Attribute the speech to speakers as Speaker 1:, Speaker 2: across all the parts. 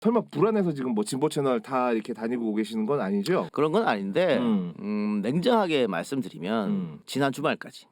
Speaker 1: 설마 불안해서 지금 뭐 진보 채널 다 이렇게 다니고 계시는 건 아니죠?
Speaker 2: 그런 건 아닌데 냉정하게 말씀드리면 지난 주말까지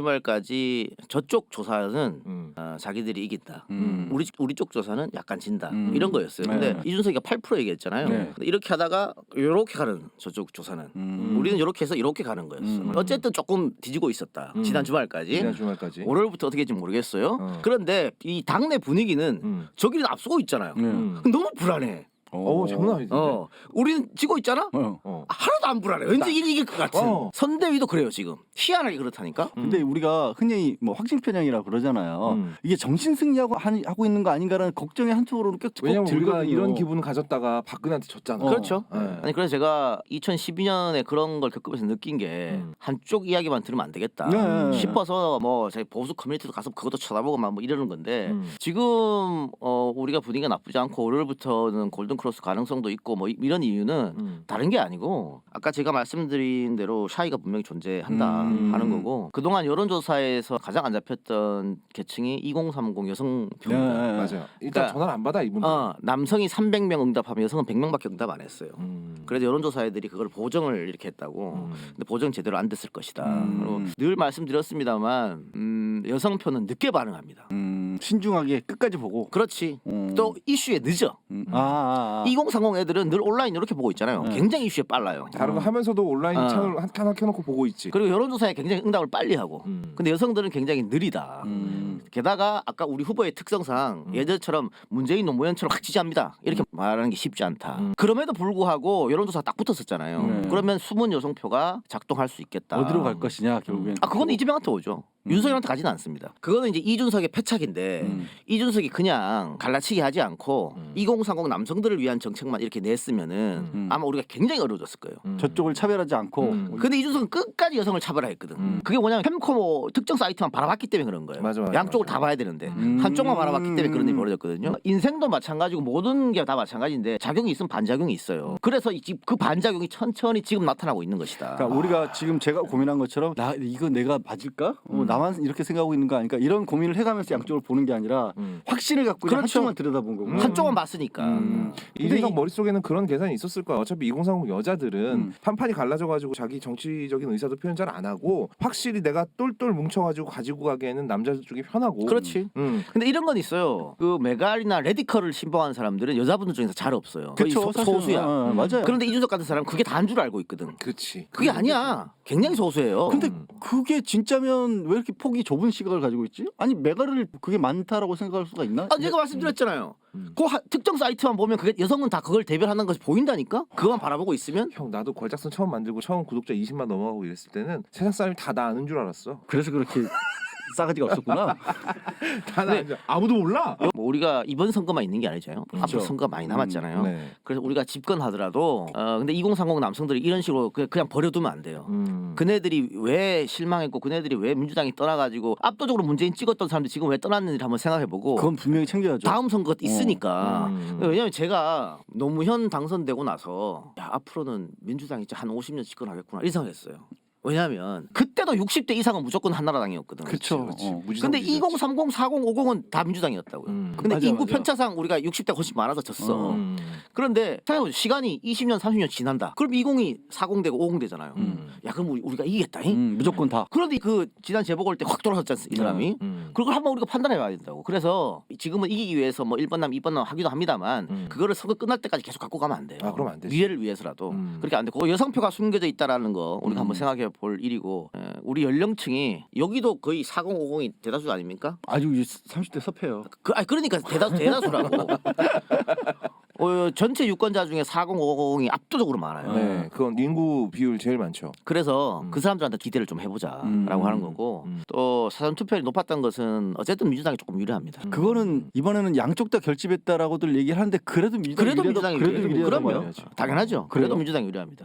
Speaker 2: 저쪽 조사는 자기들이 이긴다. 우리 쪽 조사는 약간 진다. 이런 거였어요. 근데
Speaker 3: 네.
Speaker 2: 이준석이가 8% 얘기했잖아요.
Speaker 3: 네.
Speaker 2: 근데 이렇게 하다가 이렇게 가는 저쪽 조사는 우리는 이렇게 해서 이렇게 가는 거였어. 어쨌든 조금 뒤지고 있었다. 지난 주말까지.
Speaker 1: 지난 주말까지.
Speaker 2: 월요일부터 어떻게 될지 모르겠어요. 그런데 이 당내 분위기는 저기는 앞서고 있잖아요. 너무 불안해.
Speaker 1: 장난 아니지.
Speaker 2: 우리는 지고 있잖아. 하나도 안 불안해. 왠지 이길 것 같은. 선대위도 그래요 지금. 희한하게 그렇다니까.
Speaker 3: 근데 우리가 흔히 뭐 확신 편향이라 그러잖아요. 이게 정신 승리하고 하고 있는 거 아닌가라는 걱정이 한쪽으로는 꽤
Speaker 1: 왜냐면 우리가
Speaker 3: 들거든요.
Speaker 1: 이런 기분 가졌다가 박근혜한테 졌잖아.
Speaker 2: 그렇죠.
Speaker 1: 네.
Speaker 2: 아니 그래서 제가 2012년에 그런 걸 겪으면서 느낀 게 한쪽 이야기만 들으면 안 되겠다 싶어서 뭐 저희 보수 커뮤니티도 가서 그것도 쳐다보고 막 뭐 이러는 건데 지금 우리가 분위기가 나쁘지 않고 월요일부터는 골든 크로스 가능성도 있고 뭐 이런 이유는 다른 게 아니고 아까 제가 말씀드린 대로 샤이가 분명히 존재한다 하는 거고 그동안 여론조사에서 가장 안 잡혔던 계층이 2030 여성 표입니다.
Speaker 1: 맞아요. 일단 전화를 안 받아 이분들.
Speaker 2: 남성이 300명 응답하면 여성은 100명밖에 응답 안 했어요. 그래서 여론조사애들이 그걸 보정을 이렇게 했다고. 근데 보정 제대로 안 됐을 것이다. 그리고 늘 말씀드렸습니다만 여성표는 늦게 반응합니다.
Speaker 3: 신중하게 끝까지 보고.
Speaker 2: 그렇지. 또 이슈에 늦어. 2030 애들은 늘 온라인 이렇게 보고 있잖아요. 굉장히 이슈에 빨라요.
Speaker 1: 다른 거 하면서도 온라인 채널 하나 켜놓고 보고 있지.
Speaker 2: 그리고 여론조사에 굉장히 응답을 빨리 하고. 근데 여성들은 굉장히 느리다. 게다가 아까 우리 후보의 특성상 예전처럼 문재인 노무현처럼 확 지지합니다. 이렇게 말하는 게 쉽지 않다. 그럼에도 불구하고 여론조사 딱 붙었었잖아요. 그러면 숨은 여성표가 작동할 수 있겠다.
Speaker 3: 어디로 갈 것이냐 결국엔.
Speaker 2: 그건 이재명한테 오죠. 윤석열한테 가지는 않습니다. 그거는 이제 이준석의 패착인데 이준석이 그냥 갈라치기 하지 않고 2030 남성들을 위한 정책만 이렇게 냈으면은 아마 우리가 굉장히 어려워졌을 거예요.
Speaker 3: 저쪽을 차별하지 않고.
Speaker 2: 근데 이준석은 끝까지 여성을 차별화했거든. 그게 뭐냐면 햄코모 특정 사이트만 바라봤기 때문에 그런 거예요.
Speaker 1: 맞아,
Speaker 2: 양쪽을 다 봐야 되는데 한쪽만 바라봤기 때문에 그런 일이 벌어졌거든요. 인생도 마찬가지고 모든 게 다 마찬가지인데 작용이 있으면 반작용이 있어요. 그래서 그 반작용이 천천히 지금 나타나고 있는 것이다.
Speaker 3: 그러니까 우리가 지금 제가 고민한 것처럼 이거 내가 맞을까? 나만 이렇게 생각하고 있는 거 아닐까? 이런 고민을 해가면서 양쪽을 보는 게 아니라 확신을 갖고
Speaker 2: 그렇죠.
Speaker 3: 한쪽만 들여다본 거고.
Speaker 2: 한쪽만 봤으니까.
Speaker 1: 이준석 머릿속에는 그런 계산이 있었을 거야. 어차피 2030 여자들은 판판이 갈라져가지고 자기 정치적인 의사도 표현 잘 안 하고 확실히 내가 똘똘 뭉쳐가지고 가지고 가기에는 남자들 쪽이 편하고.
Speaker 2: 그렇지. 근데 이런 건 있어요. 그 메갈이나 레디컬을 신봉하는 사람들은 여자분들 중에서 잘 없어요. 거의
Speaker 3: 그쵸,
Speaker 2: 소수야.
Speaker 3: 맞아요.
Speaker 2: 그런데 이준석 같은 사람은 그게 다인 줄 알고 있거든.
Speaker 1: 그렇지.
Speaker 2: 그게 아니야. 굉장히 소수예요.
Speaker 3: 근데 그게 진짜면 왜 이렇게 폭이 좁은 시각을 가지고 있지? 아니 메가를 그게 많다라고 생각할 수가 있나?
Speaker 2: 제가 말씀드렸잖아요. 그 특정 사이트만 보면 그게 여성은 다 그걸 대변하는 것이 보인다니까. 그거만 바라보고 있으면.
Speaker 1: 형 나도 걸작선 처음 만들고 처음 구독자 20만 넘어가고 이랬을 때는 세상 사람이 다 나 아는 줄 알았어.
Speaker 3: 그래서 그렇게 싸가지가 없었구나.
Speaker 1: 다 나 아는 줄 아무도 몰라.
Speaker 2: 뭐 우리가 이번 선거만 있는 게 아니잖아요. 앞으로 선거가 많이 남았잖아요.
Speaker 1: 네.
Speaker 2: 그래서 우리가 집권하더라도 근데 2030 남성들이 이런 식으로 그냥 버려두면 안 돼요. 그네들이 왜 실망했고 그네들이 왜 민주당이 떠나가지고 압도적으로 문재인 찍었던 사람들이 지금 왜 떠났는지 한번 생각해보고
Speaker 3: 그건 분명히 챙겨야죠.
Speaker 2: 다음 선거가 있으니까. 왜냐면 제가 노무현 당선되고 나서 앞으로는 민주당이 진짜 한 50년 집권하겠구나 이 생각했어요. 왜냐하면 그때도 60대 이상은 무조건 한나라당이었거든.
Speaker 3: 그렇죠.
Speaker 2: 근데 2030, 40, 50은 다 민주당이었다고요. 근데
Speaker 3: 맞아,
Speaker 2: 인구
Speaker 3: 맞아.
Speaker 2: 편차상 우리가 60대가 훨씬 많아서 졌어. 그런데 생각해보세요. 시간이 20년, 30년 지난다. 그럼 20이 40 되고 50 되잖아요. 야 그럼 우리가 이기겠다잉?
Speaker 3: 무조건 다.
Speaker 2: 그런데 그 지난 재보궐 때 확 돌아섰지 이 사람이. 그걸 한번 우리가 판단해봐야 된다고. 그래서 지금은 이기기 위해서 뭐 1번남, 2번남 하기도 합니다만 그거를 선거 끝날 때까지 계속 갖고 가면 안 돼요.
Speaker 1: 그럼 안 되지.
Speaker 2: 미래를 위해서라도. 그렇게 안 되고 여성표가 숨겨져 있다라는 거 우리가 한번 생각해 볼 일이고 우리 연령층이 여기도 거의 40, 50이 대다수 아닙니까?
Speaker 3: 아주 30대 섭해요.
Speaker 2: 그러니까 대다수라고. 전체 유권자 중에 40, 50이 압도적으로 많아요.
Speaker 1: 네, 그건 인구 비율 제일 많죠.
Speaker 2: 그래서 그 사람들한테 기대를 좀 해보자라고 하는 거고 또 사전 투표율이 높았던 것은 어쨌든 민주당이 조금 유리합니다.
Speaker 3: 그거는 이번에는 양쪽 다 결집했다라고들 얘기를 하는데 그래도 민주당이
Speaker 2: 그래도 민주당이
Speaker 3: 그래도
Speaker 2: 유리해요.
Speaker 3: 유리하다고요?
Speaker 2: 그럼요. 당연하죠. 그래도
Speaker 3: 그래요?
Speaker 2: 민주당이 유리합니다.